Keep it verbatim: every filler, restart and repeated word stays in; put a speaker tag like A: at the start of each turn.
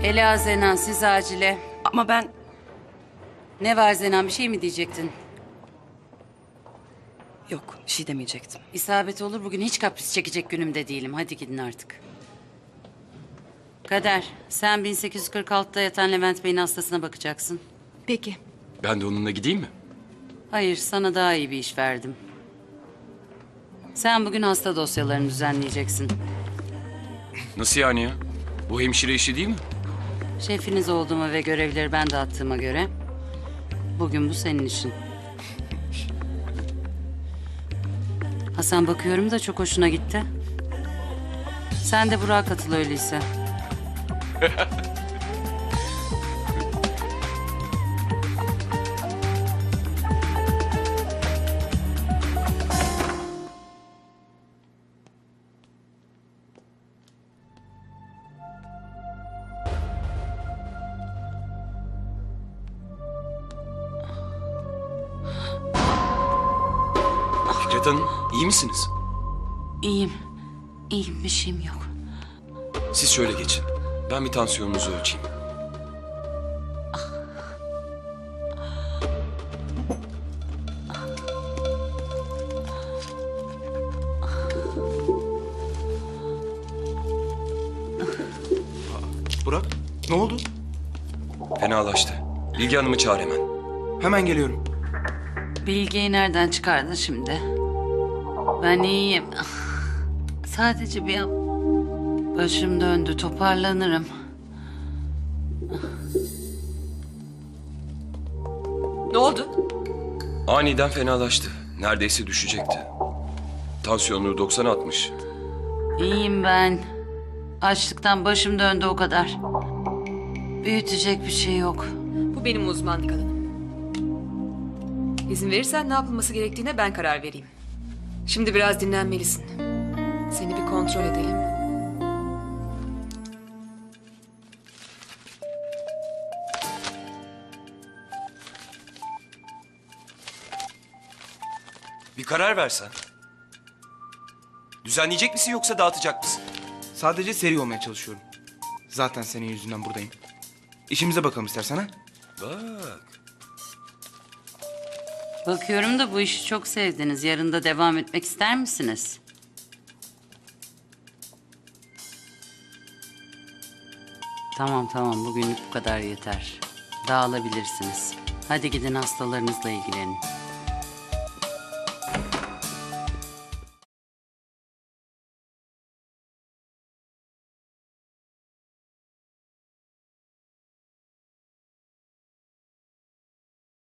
A: Ela Zenan, siz acile.
B: Ama ben...
A: Ne var Zenan, bir şey mi diyecektin?
B: Yok, bir şey demeyecektim.
A: İsabet olur, bugün hiç kapris çekecek günümde değilim. Hadi gidin artık. Kader, sen bin sekiz yüz kırk altıda yatan Levent Bey'in hastasına bakacaksın.
C: Peki.
D: Ben de onunla gideyim mi?
A: Hayır, sana daha iyi bir iş verdim. Sen bugün hasta dosyalarını düzenleyeceksin.
D: Nasıl yani ya? Bu hemşire işi değil mi?
A: Şefiniz olduğuma ve görevleri ben dağıttığıma göre... bugün bu senin işin. Hasan, bakıyorum da çok hoşuna gitti. Sen de Burak'a katıl öyleyse.
D: Fikret Hanım, iyi misiniz?
A: İyiyim. İyiyim, bir şeyim yok.
D: Siz şöyle geçin. Ben bir tansiyonunuzu ölçeyim.
E: Burak, ne oldu?
D: Fenalaştı. Bilge Hanım'ı çağır hemen.
E: Hemen geliyorum.
A: Bilgeyi nereden çıkardın şimdi? Ben iyiyim. Sadece bir an... başım döndü, toparlanırım.
B: Ne oldu?
D: Aniden fenalaştı. Neredeyse düşecekti. Tansiyonunu doksan atmış.
A: İyiyim ben. Açlıktan başım döndü o kadar. Büyütecek bir şey yok.
C: Bu benim uzmanlık alanım. İzin verirsen ne yapılması gerektiğine ben karar vereyim. Şimdi biraz dinlenmelisin. Seni bir kontrol edelim.
D: Bir karar versen. Düzenleyecek misin yoksa dağıtacak mısın?
E: Sadece seri olmaya çalışıyorum. Zaten senin yüzünden buradayım. İşimize bakalım istersen ha?
D: Bak.
A: Bakıyorum da bu işi çok sevdiniz. Yarın da devam etmek ister misiniz? Tamam tamam, bugünlük bu kadar yeter. Dağılabilirsiniz. Hadi gidin hastalarınızla ilgilenin.